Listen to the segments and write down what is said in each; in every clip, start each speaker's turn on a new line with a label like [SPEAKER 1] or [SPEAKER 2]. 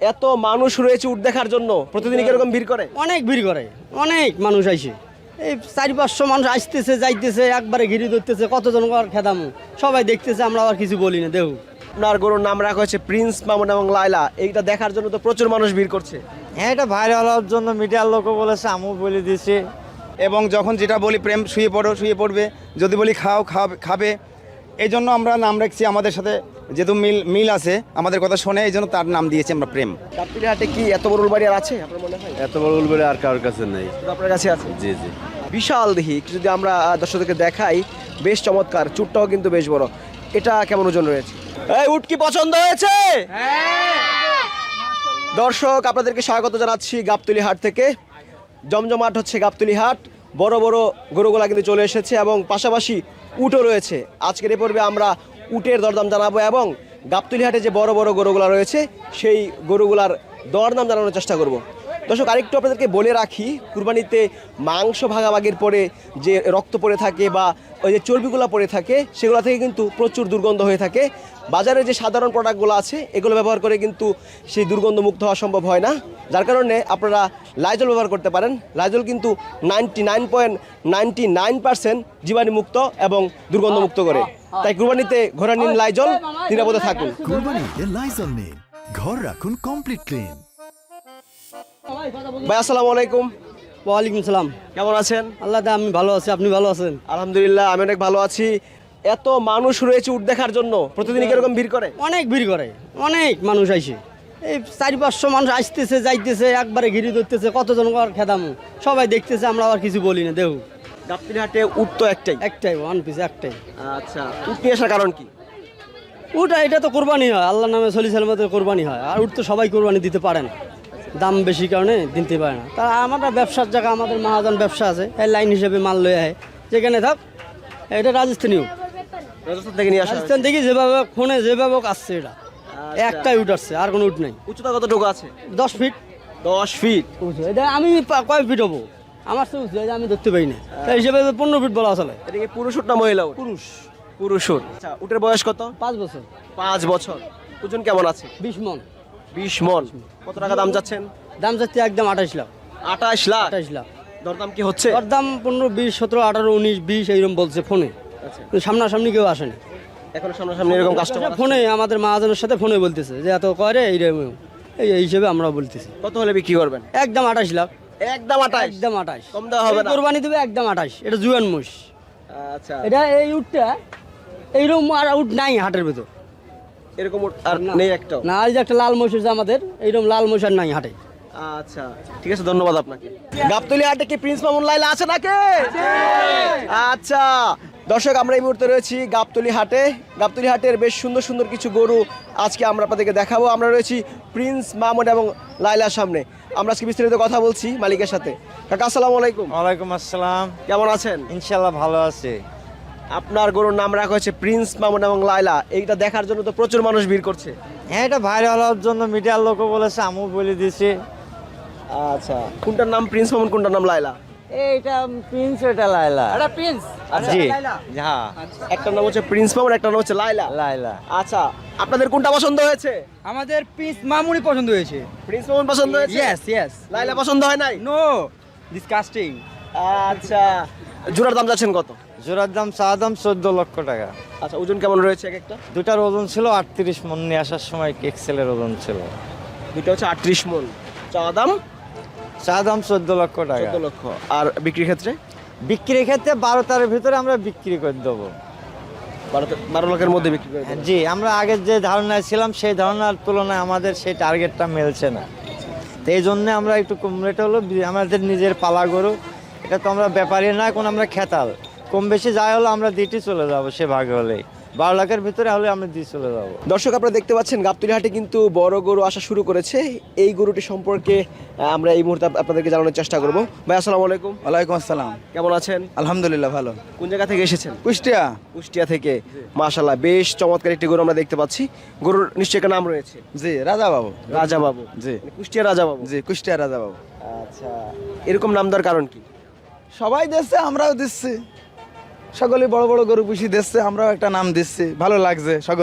[SPEAKER 1] এত মানুষ রয়েছে উট দেখার জন্য, প্রতিদিন কিরকম ভিড় করে?
[SPEAKER 2] অনেক ভিড় করে, অনেক মানুষ আইসে। এই 400-500 মানুষ আসতেছে যাইতেছে, একবারে ঘিরে ধরতেছে, কতজন খেদামু, সবাই দেখতেছে, আমরা আবার কিছু বলি না। দেহ
[SPEAKER 1] আপনার গরুর নাম রাখা হয়েছে প্রিন্স মামুন এবং লায়লা, এইটা দেখার জন্য তো প্রচুর মানুষ ভিড় করছে।
[SPEAKER 3] হ্যাঁ, এটা ভাইরাল হওয়ার জন্য মিডিয়ার লোকও বলেছে, আমিও বলে দিয়েছি।
[SPEAKER 4] এবং যখন যেটা বলি প্রেম শুয়ে পড়ো শুয়ে পড়বে, যদি বলি খাও খাবে। এই জন্য আমরা নাম রাখছি, আমাদের সাথে যেহেতু মিল আছে, আমাদের কথা শোনে, এই জন্য তার নাম দিয়েছি আমরা প্রেম।
[SPEAKER 1] গাবতলী হাটে কি এত বড় উলবাড়ি আর আছে আপনার মনে হয়?
[SPEAKER 5] এত বড় উলবেড়ে আর কারোর কাছে নেই।
[SPEAKER 1] শুধু আপনার কাছে আছে?
[SPEAKER 5] জি জি।
[SPEAKER 1] বিশাল দেখি, একটু যদি আমরা দর্শকদেরকে দেখাই, বেশ চমৎকার, চুটটাও কিন্তু বেশ বড়। এটা কেমন ওজন রয়েছে? এই উট কি পছন্দ হয়েছে? দর্শক আপনাদেরকে স্বাগত জানাচ্ছি গাবতলী হাট থেকে। জমজমাট হচ্ছে গাবতলী হাট, বড় বড় গরুগুলা কিন্তু চলে এসেছে এবং পাশাপাশি উটও রয়েছে। আজকের এই পর্বে আমরা উটের দরদাম জানাবো এবং গাবতলী হাটে যে বড় বড় গরুগুলা রয়েছে সেই গরুগুলার দরদাম জানানোর চেষ্টা করব। দর্শক আরেকটু আপনাদেরকে বলে রাখি, কুরবানিতে মাংস ভাগাভাগির পরে যে রক্ত পড়ে থাকে বা ওই যে চর্বিগুলো পড়ে থাকে, সেগুলো থেকে কিন্তু প্রচুর দুর্গন্ধ হয়ে থাকে। বাজারে যে সাধারণ প্রোডাক্টগুলো আছে এগুলো ব্যবহার করে কিন্তু সেই দুর্গন্ধ মুক্ত হওয়া সম্ভব হয় না, যার কারণে আপনারা লাইজল ব্যবহার করতে পারেন। লাইজল কিন্তু 99.99% জীবাণুমুক্ত এবং দুর্গন্ধমুক্ত করে। তাই কুরবানিতে ঘোড়া নিন লাইজল, নিরাপদে থাকুন।
[SPEAKER 6] কুরবানিতে লাইজল নিন, ঘর রাখুন কমপ্লিট ক্লিন।
[SPEAKER 1] ভাই আসসালামু আলাইকুম।
[SPEAKER 2] ওয়ালাইকুম সালাম।
[SPEAKER 1] কেমন আছেন?
[SPEAKER 2] আল্লাহ দা, আমি ভালো আছি, আপনি ভালো আছেন?
[SPEAKER 1] আলহামদুলিল্লাহ, আমি অনেক ভালো আছি। এত মানুষ রয়েছে উট দেখার জন্য, প্রতিদিন কিরকম ভিড় করে?
[SPEAKER 2] অনেক ভিড় করে, অনেক মানুষ আইসে। এই 400-500 মানুষ আসতেছে যাইতেছে, একবারে ঘিরে ধরতেছে, কতজন খেদামু, সবাই দেখতেছে, আমরা আবার কিছু বলি না। দেহ
[SPEAKER 1] গাবতলী হাটে উট তো একটাই?
[SPEAKER 2] একটাই, ওয়ান পিস একটাই।
[SPEAKER 1] আচ্ছা, উট নিয়ে আসার কারণ কি?
[SPEAKER 2] উটা এটা তো কোরবানি হয়, আল্লাহর নামে সলি সালামতে কোরবানি হয়। আর উট তো সবাই কোরবানি দিতে পারে না, দাম বেশি কারণে দিতে পারে না। তা আমরা ব্যবসার জায়গা, আমাদের মহাজন ব্যবসা আছে, এই লাইন হিসেবে মাল লয়ে আয় যেখানে থাক। এটা রাজস্থানী উট,
[SPEAKER 1] রাজস্থান থেকে নিয়ে আসা
[SPEAKER 2] রাজস্থান থেকে যেভাবে ফোনে যেভাবে আসছে, এটা একটাই উট আসছে, আর কোনো উট নাই।
[SPEAKER 1] উচ্চতা কতটুকু আছে?
[SPEAKER 2] 10 ফিট।
[SPEAKER 1] 10 ফিট?
[SPEAKER 2] এটা আমি কয় ফিট হবো, আমার তো উঁচু, আমি ধরতে পারি না, তাই হিসেবে 15 ফিট বলা চলে।
[SPEAKER 1] এটা কি পুরুষ উট না মহিলা উট?
[SPEAKER 2] পুরুষ।
[SPEAKER 1] পুরুষ উট। আচ্ছা, উটের বয়স কত?
[SPEAKER 2] 5 বছর।
[SPEAKER 1] 5 বছর। ওজন কেমন আছে?
[SPEAKER 2] 20 মন।
[SPEAKER 1] 20 মন। কত টাকা দাম যাচ্ছেন?
[SPEAKER 2] দাম যাচ্ছে একদম 28 লাখ।
[SPEAKER 1] 28 লাখ?
[SPEAKER 2] 28 লাখ।
[SPEAKER 1] দরদাম কি হচ্ছে?
[SPEAKER 2] ওর দাম 15, 20, 17, 18, 19, 20 এইরকম বলছে ফোনে।
[SPEAKER 1] আচ্ছা,
[SPEAKER 2] কিন্তু সামনাসামনি কেউ আসেনি
[SPEAKER 1] এখন সামনাসামনি এরকম কাস্টমার?
[SPEAKER 2] ফোনে আমাদের মহাজনের সাথে ফোনে বলতেছে যে এত করে, এই হিসেবে আমরা বলতেছি।
[SPEAKER 1] কত হলে বিক্রি করবেন?
[SPEAKER 2] একদম 28 লাখ।
[SPEAKER 1] একদম 28?
[SPEAKER 2] একদম 28।
[SPEAKER 1] কম দেওয়া হবে না?
[SPEAKER 2] কোরবানি দেবে একদম 28। এটা জুয়ান মোষ।
[SPEAKER 1] আচ্ছা,
[SPEAKER 2] এটা এই উটটা এইরকম আর উট নাই হাটের ভেতর,
[SPEAKER 1] এরকম উট আর নেই একটাও?
[SPEAKER 2] না। এই যে একটা লাল মোষ আছে আমাদের, এইরকম লাল মোষ আর নাই হাটে।
[SPEAKER 1] আচ্ছা, ঠিক আছে, ধন্যবাদ আপনাকে। গাবতলী হাটে কি প্রিন্স মামুন লায়লা আছে নাকি? আচ্ছা দর্শক, আমরা এই মুহূর্তে রয়েছি গাবতলী হাটে। গাবতলী হাটের বেশ সুন্দর সুন্দর কিছু গরু আজকে আমরা আপনাদেরকে দেখাবো। আমরা রয়েছি প্রিন্স মামুন এবং লায়লার সামনে। আমরা আজকে বিস্তারিত কথা বলছি মালিকের সাথে। কাকা আসসালামু আলাইকুম।
[SPEAKER 3] ওয়ালাইকুম আসসালাম।
[SPEAKER 1] কেমন আছেন?
[SPEAKER 3] ইনশাল্লাহ ভালো আছে।
[SPEAKER 1] আপনার গরুর নাম রাখা হয়েছে প্রিন্স মামুন এবং লায়লা, এইটা দেখার জন্য তো প্রচুর মানুষ ভিড় করছে।
[SPEAKER 3] হ্যাঁ, এটা ভাইরাল হওয়ার জন্য মিডিয়ার লোকও বলেছে, আমিও বলে দিয়েছি।
[SPEAKER 1] আচ্ছা, কোনটার নাম প্রিন্স মামুন, কোনটার নাম লায়লা?
[SPEAKER 3] এইটা প্রিন্স, এটা লাইলা।
[SPEAKER 2] এটা প্রিন্স।
[SPEAKER 3] জি হ্যাঁ,
[SPEAKER 1] একটার নাম হচ্ছে প্রিন্স মামুন, একটার নাম হচ্ছে লায়লা।
[SPEAKER 3] লাইলা।
[SPEAKER 1] আচ্ছা, আপনাদের কোনটা পছন্দ হয়েছে?
[SPEAKER 2] আমাদের প্রিন্স মামুনি পছন্দ হয়েছে।
[SPEAKER 1] প্রিন্স মামুন পছন্দ হয়েছে?
[SPEAKER 2] ইয়েস।
[SPEAKER 1] লায়লা পছন্দ হয় নাই?
[SPEAKER 2] No, disgusting.
[SPEAKER 1] আচ্ছা, জোড়ার দাম যাচ্ছেন কত?
[SPEAKER 3] জোড়ার দাম চাওয়া দাম 14 লক্ষ টাকা।
[SPEAKER 1] আচ্ছা, ওজন কেমন রয়েছে এক একটা?
[SPEAKER 3] দুটার ওজন ছিল 38 মন, নিয়ে আসার সময় এক্সেলের ওজন ছিল।
[SPEAKER 1] দুটো হচ্ছে 38 মন, চাওয়া দাম
[SPEAKER 3] চা দাম 14 লক্ষ টাকা।
[SPEAKER 1] 14 লক্ষ। আর বিক্রির ক্ষেত্রে?
[SPEAKER 3] বিক্রির ক্ষেত্রে 12টার ভিতরে আমরা বিক্রি করে দেবো।
[SPEAKER 1] 12 লাখের মধ্যে বিক্রি করে দেবেন?
[SPEAKER 3] জি, আমরা আগের যে ধারণায় ছিলাম সেই ধারণার তুলনায় আমাদের সেই টার্গেটটা মিলছে না, তো এই জন্যে আমরা একটু কম রেটে হলো। আমাদের নিজের পালা গরু, এটা তো আমরা ব্যাপারী না, এখন আমরা খেতাল, কম বেশি যাই হলো আমরা দিতে চলে যাবো, সে ভাগে হলেই 12 লাখের ভিতরে হলে আমরা দিয়ে চলে যাবো।
[SPEAKER 1] দর্শক আপনারা দেখতে পাচ্ছেন গাবতলী হাটে কিন্তু বড় গরু আসা শুরু করেছে। এই গরুটি সম্পর্কে আমরা এই মুহূর্তে আপনাদেরকে জানানোর চেষ্টা করব। ভাই আসসালামু আলাইকুম।
[SPEAKER 4] ওয়ালাইকুম আসসালাম।
[SPEAKER 1] কেমন আছেন?
[SPEAKER 4] আলহামদুলিল্লাহ ভালো।
[SPEAKER 1] কোন জায়গা থেকে এসেছেন?
[SPEAKER 4] কুষ্টিয়া।
[SPEAKER 1] কুষ্টিয়া থেকে। মাশাআল্লাহ, বেশ চমৎকার একটি গরু আমরা দেখতে পাচ্ছি। গরুর নিশ্চয়ই একটা নাম রয়েছে?
[SPEAKER 4] জি, রাজা বাবু।
[SPEAKER 1] রাজা বাবু?
[SPEAKER 4] জি।
[SPEAKER 1] কুষ্টিয়া রাজা বাবু?
[SPEAKER 4] জি, কুষ্টিয়া রাজা বাবু।
[SPEAKER 1] আচ্ছা, এরকম নাম দেওয়ার কারণ কি?
[SPEAKER 4] সবাই দিচ্ছে, আমরাও দিচ্ছি, সকলে বড় বড় গরু পুষি দিচ্ছে, আমরাও একটা নাম দিচ্ছি, ভালো লাগছে সকলের।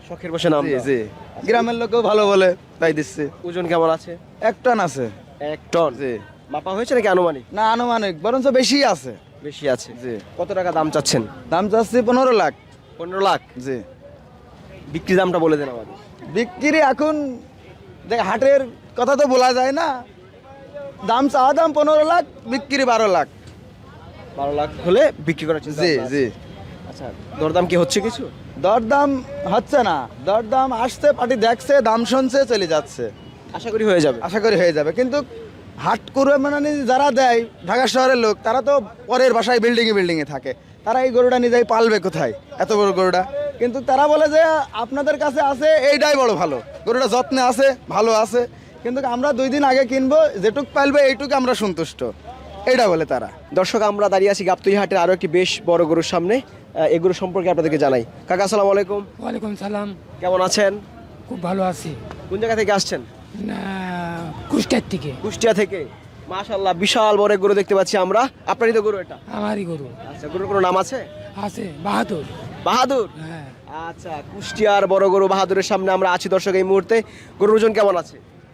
[SPEAKER 1] শখের বসে নাম দেওয়া।
[SPEAKER 4] জি গ্রামের লোকেও ভালো বলে তাই দিচ্ছে।
[SPEAKER 1] ওজন কেমন আছে?
[SPEAKER 4] 1 টন আছে।
[SPEAKER 1] 1 টন।
[SPEAKER 4] জি
[SPEAKER 1] মাপা হয়েছে নাকি আনুমানিক?
[SPEAKER 4] না আনুমানিক বরঞ্চ বেশি আছে।
[SPEAKER 1] বেশি আছে।
[SPEAKER 4] জি
[SPEAKER 1] কত টাকা দাম চাচ্ছেন?
[SPEAKER 4] দাম চাচ্ছি 15 লাখ।
[SPEAKER 1] 15 লাখ।
[SPEAKER 4] জি
[SPEAKER 1] বিক্রি দামটা বলে দেন আমাদের।
[SPEAKER 4] বিক্রি এখন দেখ হাটের কথা তো বলা যায় না, দাম চাওয়া দাম 15 লাখ, বিক্রি 12 লাখ।
[SPEAKER 1] 12 লাখ হলে বিক্রি করার চিন্তা
[SPEAKER 4] জি
[SPEAKER 1] ভাবনা আছে।
[SPEAKER 4] জি
[SPEAKER 1] আচ্ছা, দরদাম কি হচ্ছে কিছু?
[SPEAKER 4] দরদাম হচ্ছে না, দরদাম আসছে, পার্টি দেখছে, দাম শুনছে, চলে যাচ্ছে।
[SPEAKER 1] আশা করি হয়ে যাবে।
[SPEAKER 4] আশা করি হয়ে যাবে, কিন্তু হাট করে মানে যারা দেয় ঢাকা শহরের লোক, তারা তো পরের বাসায় বিল্ডিংয়ে থাকে, তারা এই গরুটা নিজেই পালবে কোথায় এত বড় গরুটা? কিন্তু তারা বলে যে আপনাদের কাছে আছে এইটাই বড় ভালো, গরুটা যত্নে আছে, ভালো আছে, কিন্তু আমরা 2 দিন আগে কিনবো, যেটুক পালবে এইটুকু আমরা সন্তুষ্ট, এইটা বলে তারা।
[SPEAKER 1] দর্শক, আমরা দাঁড়িয়ে আছি গাবতলী হাটের আরো একটি বেশ বড় গরুর সামনে। এই গরু সম্পর্কে আপনাদেরকে জানাই। কাকা আসসালামু আলাইকুম।
[SPEAKER 7] ওয়ালাইকুম সালাম।
[SPEAKER 1] কেমন আছেন?
[SPEAKER 7] খুব ভালো আছি।
[SPEAKER 1] কোন জায়গা থেকে আসছেন?
[SPEAKER 7] না, কুষ্টিয়ার থেকে।
[SPEAKER 1] কুষ্টিয়া থেকে। মাশাআল্লাহ, বিশাল বড় এক গরু দেখতে পাচ্ছি আমরা। আপনারই তো গরু এটা?
[SPEAKER 7] আমারই গরু
[SPEAKER 1] আচ্ছা, গরুর কোনো নাম আছে?
[SPEAKER 7] আছে, বাহাদুর।
[SPEAKER 1] বাহাদুর।
[SPEAKER 7] হ্যাঁ,
[SPEAKER 1] আচ্ছা, কুষ্টিয়ার বড় গরু বাহাদুরের সামনে আমরা আছি দর্শক এই মুহূর্তে। গরুর ওজন কেমন আছে?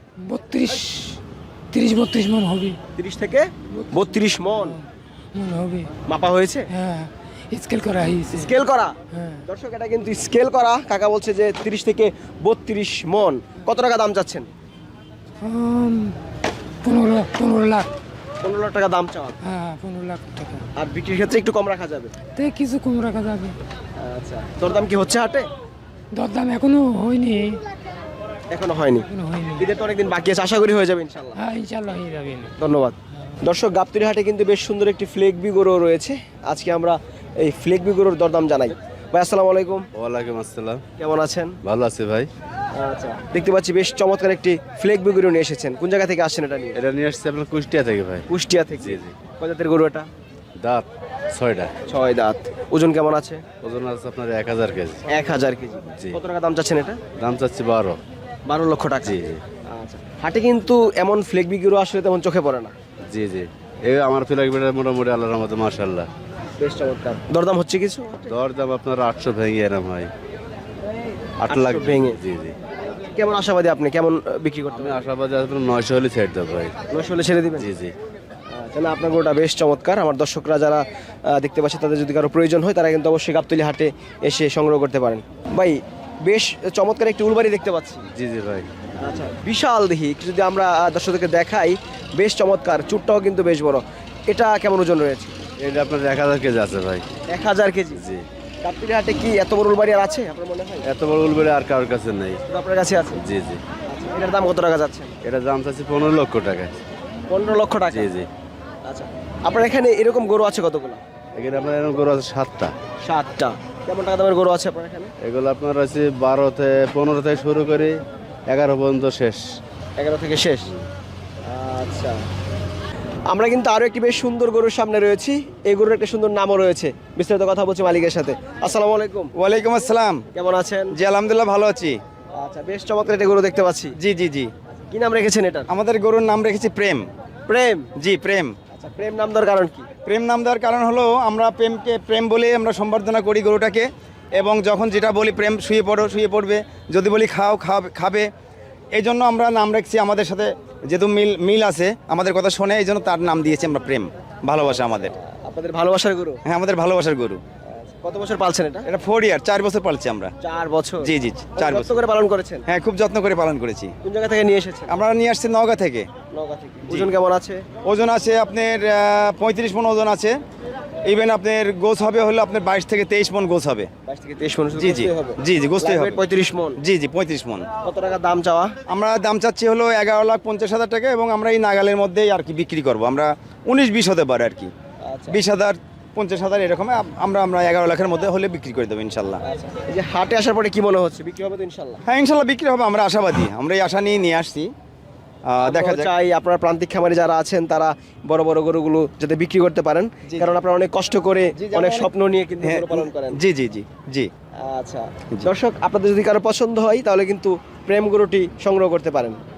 [SPEAKER 7] 30-32 মন হবে।
[SPEAKER 1] 30 থেকে 32 মন
[SPEAKER 7] মন হবে।
[SPEAKER 1] মাপা হয়েছে?
[SPEAKER 7] হ্যাঁ, স্কেল করা হয়েছে।
[SPEAKER 1] স্কেল করা।
[SPEAKER 7] হ্যাঁ,
[SPEAKER 1] দর্শক, এটা কিন্তু স্কেল করা। কাকা বলছে যে 30 থেকে 32 মন। কত টাকা দাম চাচ্ছেন?
[SPEAKER 7] 15 লাখ।
[SPEAKER 1] 15 লাখ টাকা দাম চাওয়া।
[SPEAKER 7] হ্যাঁ, 15 লাখ টাকা।
[SPEAKER 1] আর বিক্রির ক্ষেত্রে একটু কম রাখা যাবে।
[SPEAKER 7] তাই কিছু কম রাখা যাবে।
[SPEAKER 1] আচ্ছা, দরদাম কি হচ্ছে হাটে?
[SPEAKER 7] দরদাম এখনো হয়নি।
[SPEAKER 1] এখনো হয়নি। ঈদের তো অনেকদিন বাকি আছে, আশা করি হয়ে যাবে ইনশাল্লাহ।
[SPEAKER 7] হ্যাঁ, ইনশাল্লাহ হয়ে যাবে।
[SPEAKER 1] ধন্যবাদ। দর্শক, গাবতলী হাটে কিন্তু বেশ সুন্দর একটি ফ্লেগবি গরু রয়েছে। আজকে আমরা এই ফ্লেগবি গরুর দরদাম জানাই। ভাই আসসালামু আলাইকুম।
[SPEAKER 5] ওয়ালাইকুম আসসালাম।
[SPEAKER 1] কেমন আছেন?
[SPEAKER 5] ভালো আছে ভাই।
[SPEAKER 1] আচ্ছা, দেখতে পাচ্ছি বেশ চমৎকার একটি ফ্লেগবি গরু নিয়ে এসেছেন। কোন জায়গা থেকে আসছেন এটা নিয়ে?
[SPEAKER 5] এটা নিয়ে আসছে আপনার কুষ্টিয়া থেকে ভাই।
[SPEAKER 1] কুষ্টিয়া থেকে।
[SPEAKER 5] জি জি।
[SPEAKER 1] কয় জাতের গরু এটা?
[SPEAKER 5] দাঁত 6টা।
[SPEAKER 1] 6 দাঁত। ওজন কেমন আছে?
[SPEAKER 5] ওজন আছে আপনার 1000 কেজি।
[SPEAKER 1] 1000 কেজি।
[SPEAKER 5] জি।
[SPEAKER 1] কত টাকা দাম চাচ্ছেন এটা?
[SPEAKER 5] দাম চাচ্ছি 12।
[SPEAKER 1] 12 লক্ষ টাকা।
[SPEAKER 5] জি জি।
[SPEAKER 1] আচ্ছা, হাটে কিন্তু এমন ফ্লেগবি গরু আসলে তেমন চোখে পড়ে না।
[SPEAKER 5] জি জি। এই আমার ফিলাকবিটা মোটামুটি আল্লাহর রহমতে মাশাআল্লাহ।
[SPEAKER 1] বেশ চমৎকার। দরদাম হচ্ছে কিছু?
[SPEAKER 5] দর দাম আপনার 800 ভেঙে এরম হয়। 8 লাখ
[SPEAKER 1] 800 ভেঙে।
[SPEAKER 5] জি জি।
[SPEAKER 1] কেমন আশাবাদী আপনি? কেমন বিক্রি করতে
[SPEAKER 5] আমি আশাবাদী আপনার 900 হলে ছেড়ে দেবো ভাই।
[SPEAKER 1] 900 হলে ছেড়ে দিবেন?
[SPEAKER 5] জি জি।
[SPEAKER 1] তাহলে আপনার গরুটা বেশ চমৎকার। আমার দর্শকরা যারা দেখতে পাচ্ছে, তাদের যদি কারো প্রয়োজন হয়, তারা কিন্তু অবশ্যই গাবতলী হাটে এসে সংগ্রহ করতে পারেন। ভাই, বেশ চমৎকার একটি উলবাড়ি দেখতে পাচ্ছি।
[SPEAKER 5] জি জি ভাই।
[SPEAKER 1] আচ্ছা, বিশাল দেখি। একটু যদি আমরা দর্শকদেরকে দেখাই, বেশ চমৎকার। চুটটাও কিন্তু বেশ বড়। এটা কেমন ওজন রয়েছে?
[SPEAKER 5] এটা আপনার 1000 কেজি আছে ভাই।
[SPEAKER 1] 1000 কেজি।
[SPEAKER 5] জি।
[SPEAKER 1] গাবতলী হাটে কি এত বড় উলবাড়ি আর আছে আপনার মনে হয়?
[SPEAKER 5] এত বড় উলবেড়ে আর কারোর কাছে নেই।
[SPEAKER 1] শুধু আপনার কাছে আছে?
[SPEAKER 5] জি জি।
[SPEAKER 1] আচ্ছা, এটার দাম কত টাকা যাচ্ছে?
[SPEAKER 5] এটা দাম চাচ্ছি 15 লক্ষ টাকা।
[SPEAKER 1] 15 লক্ষ টাকা।
[SPEAKER 5] জি জি।
[SPEAKER 1] আচ্ছা, আপনার এখানে এরকম গরু আছে কতগুলো?
[SPEAKER 5] এখানে আপনার এরকম গরু আছে 7টা।
[SPEAKER 1] 7টা। কেমন টাকা দামের গরু আছে আপনার এখানে?
[SPEAKER 5] এগুলো আপনার আছে 15 থেকে শুরু করে 11 পর্যন্ত শেষ।
[SPEAKER 1] 11 থেকে শেষ। আচ্ছা, আমরা কিন্তু আরো একটি বেশ সুন্দর গরুর সামনে রয়েছি। এই গরুর একটা সুন্দর নামও রয়েছে। বিস্তারিত কথা বলছি মালিকের সাথে। আসসালামু আলাইকুম।
[SPEAKER 4] ওয়ালাইকুম আসসালাম।
[SPEAKER 1] কেমন আছেন?
[SPEAKER 4] জি আলহামদুলিল্লাহ ভালো আছি।
[SPEAKER 1] আচ্ছা, বেশ চমৎকার একটা গরু দেখতে পাচ্ছি।
[SPEAKER 4] জি জি জি।
[SPEAKER 1] কি নাম রেখেছেন এটা?
[SPEAKER 4] আমাদের গরুর নাম রেখেছি প্রেম।
[SPEAKER 1] প্রেম।
[SPEAKER 4] জি প্রেম।
[SPEAKER 1] আচ্ছা, প্রেম নাম দেওয়ার কারণ কি?
[SPEAKER 4] প্রেম নাম দেওয়ার কারণ হলো আমরা প্রেমকে প্রেম বলে আমরা সম্বর্ধনা করি গরুটাকে, এবং যখন যেটা বলি প্রেম শুয়ে পড়বে, যদি বলি খাও খাবে, এই জন্য আমরা নাম রাখছি। আমাদের সাথে যেহেতু মিল আছে, আমাদের কথা শোনে, এই জন্য তার নাম দিয়েছি আমরা প্রেম। ভালোবাসা আমাদের।
[SPEAKER 1] আপনাদের ভালোবাসার গরু?
[SPEAKER 4] হ্যাঁ, আমাদের ভালোবাসার গরু।
[SPEAKER 1] আচ্ছা, কত বছর পালছেন এটা?
[SPEAKER 4] এটা 4 ইয়ার, 4 বছর পালছি আমরা।
[SPEAKER 1] 4 বছর।
[SPEAKER 4] জি জি 4
[SPEAKER 1] কত
[SPEAKER 4] বছর
[SPEAKER 1] করে পালন করেছেন?
[SPEAKER 4] হ্যাঁ, খুব যত্ন করে পালন করেছি।
[SPEAKER 1] কোন জায়গা থেকে নিয়ে এসেছেন?
[SPEAKER 4] আমরা নিয়ে আসছি নওগাঁ থেকে।
[SPEAKER 1] নওগাঁ থেকে। ওজন কেমন আছে?
[SPEAKER 4] ওজন আছে আপনার 35 মণ ওজন আছে। ইভেন আপনার গোছ হবে হলো আপনার 22 থেকে 23 মণ গোছ হবে।
[SPEAKER 1] 22 থেকে 23 মণ।
[SPEAKER 4] জি জি জি জি, গোছতেই হবে।
[SPEAKER 1] 35 মণ।
[SPEAKER 4] জি জি 35 মণ।
[SPEAKER 1] কত টাকা দাম চাওয়া?
[SPEAKER 4] আমরা দাম চাচ্ছি হলো 11,50,000 টাকা, এবং আমরা এই নাগালের মধ্যেই আর কি বিক্রি করব। আমরা 19-20 হতে পারে আর কি।
[SPEAKER 1] আচ্ছা।
[SPEAKER 4] 20,000 50,000 এরকম আমরা 11 লাখের মধ্যে হলে বিক্রি করে দেবো ইনশাল্লাহ।
[SPEAKER 1] আচ্ছা, এই যে হাটে আসার পরে কি মনে হচ্ছে, বিক্রি হবে তো ইনশাল্লাহ?
[SPEAKER 4] হ্যাঁ ইনশাল্লাহ বিক্রি হবে, আমরা আশাবাদী। আমরা এই আশা নিয়ে আসছি। দেখা
[SPEAKER 1] আমরা
[SPEAKER 4] যাক।
[SPEAKER 1] চাই আপনার প্রান্তিক খামারি যারা আছেন, তারা বড় বড় গরুগুলো যাতে বিক্রি করতে পারেন, কারণ আপনারা অনেক কষ্ট করে, অনেক স্বপ্ন নিয়ে কিন্তু
[SPEAKER 4] হ্যাঁ,
[SPEAKER 1] গরু পালন করেন।
[SPEAKER 4] জি জি জি জি।
[SPEAKER 1] আচ্ছা, দর্শক, আপনাদের যদি কারো পছন্দ হয়, তাহলে কিন্তু প্রেম গরুটি সংগ্রহ করতে পারেন।